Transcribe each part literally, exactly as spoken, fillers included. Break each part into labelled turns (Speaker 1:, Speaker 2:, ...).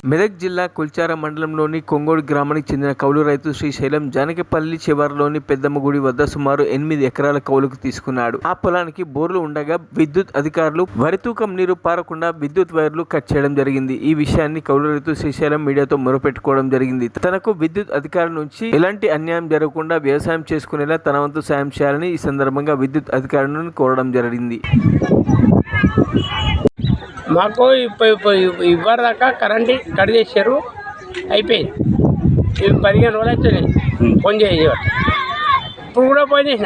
Speaker 1: మెదక్ జిల్లా కుల్చార మండలంలోని కొంగోడు గ్రామానికి చెందిన కౌలు రైతు శ్రీశైలం జానకిపల్లి చివరిలోని పెద్దమ్మ గుడి వద్ద సుమారు ఎనిమిది ఎకరాల కౌలుకు తీసుకున్నాడు. ఆ పొలానికి బోర్లు ఉండగా విద్యుత్ అధికారులు వరి తూకం నీరు పారకుండా విద్యుత్ వైర్లు కట్ చేయడం జరిగింది. ఈ విషయాన్ని కౌలు రైతు శ్రీశైలం మీడియాతో మొరపెట్టుకోవడం జరిగింది. తనకు విద్యుత్ అధికారుల నుంచి ఎలాంటి అన్యాయం జరగకుండా వ్యవసాయం చేసుకునేలా తన వంతు సాయం చేయాలని ఈ సందర్భంగా విద్యుత్ అధికారులను కోరడం జరిగింది.
Speaker 2: మాకు ఇవ్వరు దాకా కరెంట్ కట్ చేశారు, అయిపోయింది. ఇవి పదిహేను రోజులు అవుతుంది ఫోన్ చేయబట్టి. ఇప్పుడు కూడా ఫోన్ చేసిన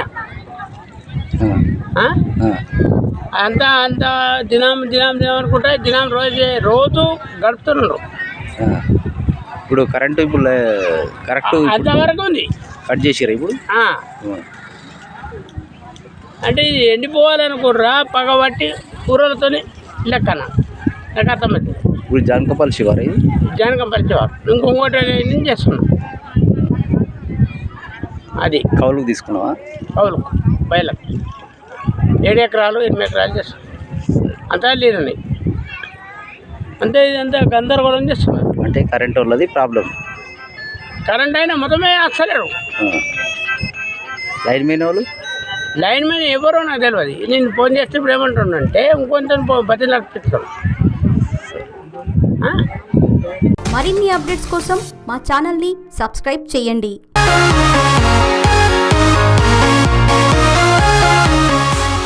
Speaker 2: అంతా అంత దినం దినం దినం అనుకుంటే దినం రోజు రోజు గడుపుతున్నారు.
Speaker 3: ఇప్పుడు కరెంటు ఇప్పుడు కరెక్ట్
Speaker 2: అంతవరకు ఉంది,
Speaker 3: కట్ చేసారు. ఇప్పుడు
Speaker 2: అంటే ఇది ఎండిపోవాలనుకుర్రా పగబట్టి కూరలతో లెక్కన నాకు అర్థమైంది.
Speaker 3: ఇప్పుడు జానకపల్లి శివారు ఇది
Speaker 2: జానకపల్లి శివారు ఇంకొకటి నేను చేస్తున్నాం. అది
Speaker 3: కౌలుకు తీసుకున్నావా?
Speaker 2: కౌలుకు బయలకు ఏడు ఎకరాలు ఎనిమిది ఎకరాలు చేస్తున్నాం. అంతా లేదండి, అంతే. ఇదంతా గందరగోళం చేస్తున్నాం.
Speaker 3: అంటే కరెంట్ ఉన్నది ప్రాబ్లం.
Speaker 2: కరెంట్ అయినా మొత్తమే వస్తలేరు.
Speaker 3: లైన్ మెయిన్ వాళ్ళు
Speaker 2: లైన్ మ్యాన్ ఎవరో నాకు తెలియదు. నేను ఫోన్ చేస్తే ఇప్పుడు ఏమంటున్నానంటే ఇంకొంచెం బతి నడిపిస్తాను.
Speaker 4: మరిన్ని అప్డేట్స్ కోసం మా ఛానల్ని సబ్స్క్రైబ్ చేయండి.